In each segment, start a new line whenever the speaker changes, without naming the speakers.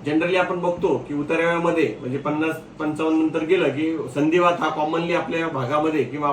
Generally आपण बघतो की उतार्यामध्ये म्हणजे 50-55 नंतर गेलं की संधिवात हा कॉमनली आपल्या भागामध्ये किंवा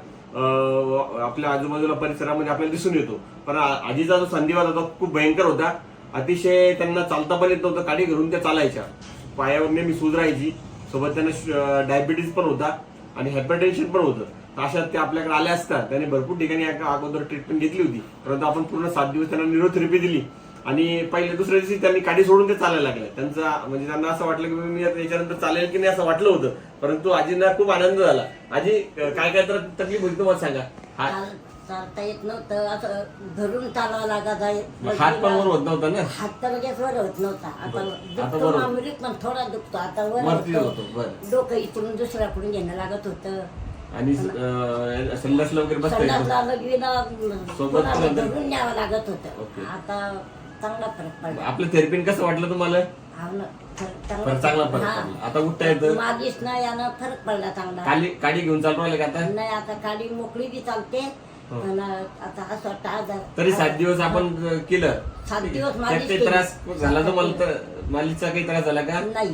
आपल्या आजूबाजूला परिसरामध्ये आपल्याला दिसून येतो. पण आजीचा जो संधिवात होता खूप भयंकर होता. अतिशय त्यांना चालता पण येत नव्हतं, काडी घरून त्या चालायच्या, पायावर नेहमी सूज राहायची, सोबत त्यांना डायबिटीज पण होता आणि हायपरटेन्शन पण होतं. अशात ते आपल्याकडे आले असतात, त्यांनी भरपूर ठिकाणी अगोदर ट्रीटमेंट घेतली होती, परंतु आपण पूर्ण 7 दिवस त्यांना न्यूरोथेरपी दिली आणि पहिल्या दुसऱ्या दिवशी त्यांनी काडी सोडून ते चालायला लागले. त्यांचा म्हणजे त्यांना असं वाटलं की मी याच्यानंतर चालेल की नाही असं वाटलं होतं, परंतु आजींना खूप आनंद झाला. आजी काय काय तर तकलीफ होती तुम्हाला सांगा?
चालता येत नव्हतं, असं धरून चालावं लागत आहे.
हात पण वर होत नव्हता ना?
हात तर लगेच वर होत नव्हता. आता दुखतो
बरोबर.
मामुली पण थोडा दुखतो, आता वर
वरती
होतो.
होतो. बरं.
डोकं इकडून दुसऱ्याकडून घेणं लागत होतं.
आणि संडासला वगैरे बसता येतं.
संडासला लगवीला
सोबत
कोणाला
कोणाला-
धरून न्यावं लागत
ओके.
होतं. आता चांगला फरक पडला.
आपलं थेरपीन कसं वाटलं तुम्हाला?
हा ना,
पण चांगला फरक
हा.
पडला. आता उठता येतं.
मागीच ना यानं फरक पडला चांगला.
काडी घेऊन चालू राहिले का आता?
नाही, आता काडी मोकळी बी चालते.
हो.
पण आता असं वाटतं आजार
तरी 7 दिवस आपण केलं.
7 दिवस
त्यात
मालिश
काही
केली.
त्रास झाला तुम्हाला? तर मालिशचा काही त्रास झाला का?
नाही.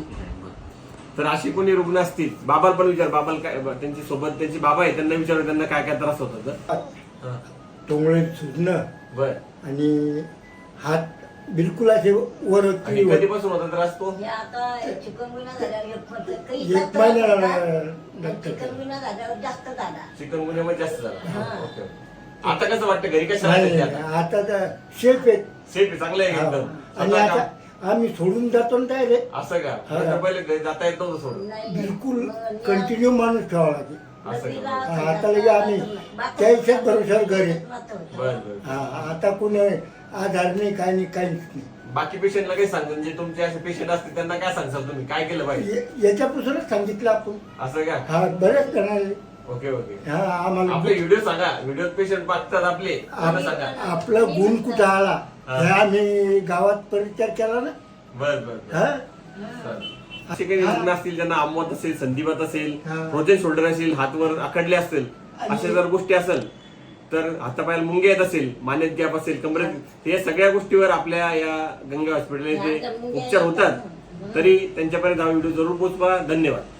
तर अशी कोणी रुग्ण असतील, बाबाला पण विचार, बाबाला काय त्यांची सोबत त्यांची बाबा आहे, त्यांना विचार त्यांना काय काय त्रास होत होता.
टोंगळे सुजणं
बर.
आणि हात बिलकुल असे वर
आणि कधीपासून होता त्रास तो?
हे आता चिकनगुन्हा झाल्यावर
एक महिना
चिकनगुन्हा झाल्यावर जास्त झाला.
चिकनगुन्यामध्ये जास्त झाला.
हा.
ओके. आता कसं वाटतं घरी कसं
नाही,
राहते आता?
आता तर शेफ आहेत.
सेफ चांगलं आहे
हा.
एकदम.
आणि
स्वतः
आता
का?
आम्ही सोडून जातो ना काय रे
असं का?
हा.
आता पहिले घरी जाता येत नव्हतं सोडून.
नाही,
बिलकुल
मग
कंटिन्यू माणूस ठेवावा लागेल.
असं
नदीला
का?
हा, आता लगे आम्ही त्याच्याच भरोशावर घर आहे.
बर बर.
हा, आता कोणी आधार नाही, काय नाही, काहीच नाही.
बाकी पेशंटला काही सांगतो, जे तुमचे असे पेशंट असतील त्यांना काय सांगसाल तुम्ही, काय केलं पाहिजे?
याच्यापासूनच सांगितलं आपण.
असं का?
हा, बरेच जण
ओके ओके.
हा आम्हाला
आपले व्हिडिओ सांगा, व्हिडिओ पेशंट बघतात आपले, त्यांना सांगा.
आपला गुण कुठं आला हे आम्ही गावात परिचय केला ना.
बर बर बर.
हा
चालेल. असे काही रुग्ण असतील ज्यांना आमवत असेल, संधिवात असेल,
हा.
फ्रोझन शोल्डर असेल, हातवर आखडले असतील, अशा जर गोष्टी असेल, तर हातापायाला मुंगे येत असेल, मानेत गॅप असेल, कमरेत, हे सगळ्या गोष्टीवर आपल्या या गंगा हॉस्पिटल जे उपचार होतात. तरी त्यांच्यापर्यंत हा व्हिडिओ जरूर पोहोचवा. धन्यवाद.